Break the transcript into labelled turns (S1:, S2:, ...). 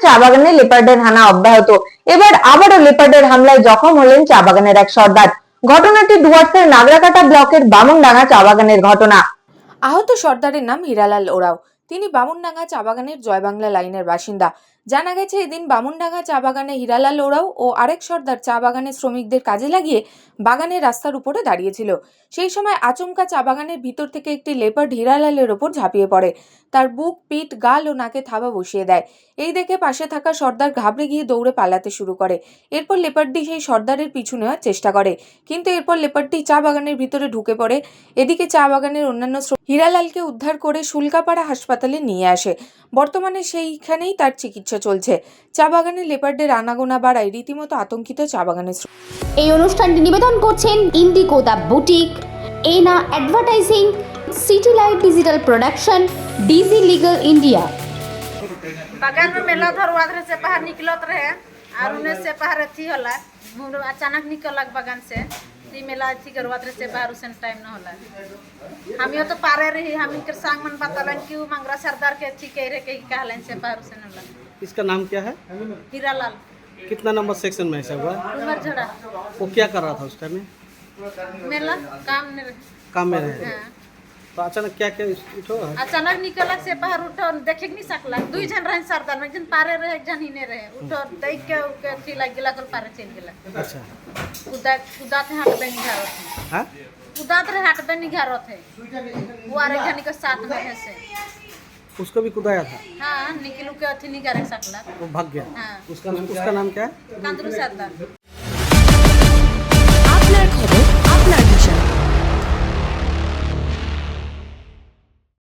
S1: চা বাগানে লেপার্ডের হানা অব্যাহত। এবার আবারও লেপার্ডের হামলায় জখম হলেন চা বাগানের এক সর্দার। ঘটনাটি ডুয়ার্সের নাগরাকাটা ব্লকের বামুনডাঙ্গা চা বাগানের ঘটনা।
S2: আহত সর্দারের নাম হীরালাল ওরাও। তিনি বামুনডাঙ্গা চা বাগানের জয়বাংলা লাইনের বাসিন্দা। জানা গেছে, এদিন বামুনডাঙ্গা চা বাগানে হীরালাল ওরাও ও আরেক সর্দার চা বাগানের শ্রমিকদের কাজে লাগিয়ে বাগানের রাস্তার উপরে দাঁড়িয়েছিল। সেই সময় আচমকা চা বাগানের ভিতর থেকে একটি লেপার্ড হীরালালের ওপর ঝাঁপিয়ে পড়ে। তার বুক, পিঠ, গাল ও নাকে থাবা বসিয়ে দেয়। এই দেখে পাশে থাকা সর্দার ঘাবড়ে গিয়ে দৌড়ে পালাতে শুরু করে। এরপর লেপার্ডটি সেই সর্দারের পিছু নেওয়ার চেষ্টা করে, কিন্তু এরপর লেপার্ডটি চা বাগানের ভিতরে ঢুকে পড়ে। এদিকে চা বাগানের অন্যান্য হীরালালকে উদ্ধার করে শুল্কাপাড়া হাসপাতালে নিয়ে আসে। বর্তমানে সেইখানেই তার চিকিৎসা চলছে। চা বাগানে লেপার্ডের আনাগোনা বাড়ায় রীতিমতো আতঙ্কিত চা বাগানের।
S3: এই অনুষ্ঠানটি নিবেদন করছেন Indigo the boutique, Ena advertising, city light digital production, DG legal India.
S4: बागान में मेला धरवाधरे से बाहर निकलत रहे और उन्हें से बाहर थी होला अचानक निकलक बागान से ती मेला थी करवाधरे से बाहर उसन टाइम न होला। हम यो तो पारे रही हम इनके सांग मन बतालन कि मंगरा सरदार के थी कह रहे के कहलन से बाहर उसन होला।
S5: इसका नाम क्या है?
S4: हीरालाल।
S5: कितना नंबर सेक्शन में ऐसा हुआ?
S4: उमर झड़ा।
S5: वो क्या कर रहा था उस टाइम में?
S4: मेला काम
S5: में रहे।
S4: हाँ।
S5: तो अचानक क्या क्या उठो?
S4: अचानक निकलक से बाहर उठो देखे नहीं सकला। दुई जन रहे सरदार में, एक जन पारे रहे एक जन हिने रहे। उठो देख के थी लग गेला कर पारे चल गेला।
S5: अच्छा,
S4: कुदाते हाथ पे निघारत है।
S5: हाँ?
S4: कुदात रहे हाथ पे निघारत है। वो आरे घनी के साथ में है से।
S5: उसको भी कुदाया था?
S4: हाँ, निकलू के अथी निकारे सकला।
S5: वो भाग गया।
S4: हाँ।
S5: उसका नाम क्या है?
S4: कांदरू सरदार।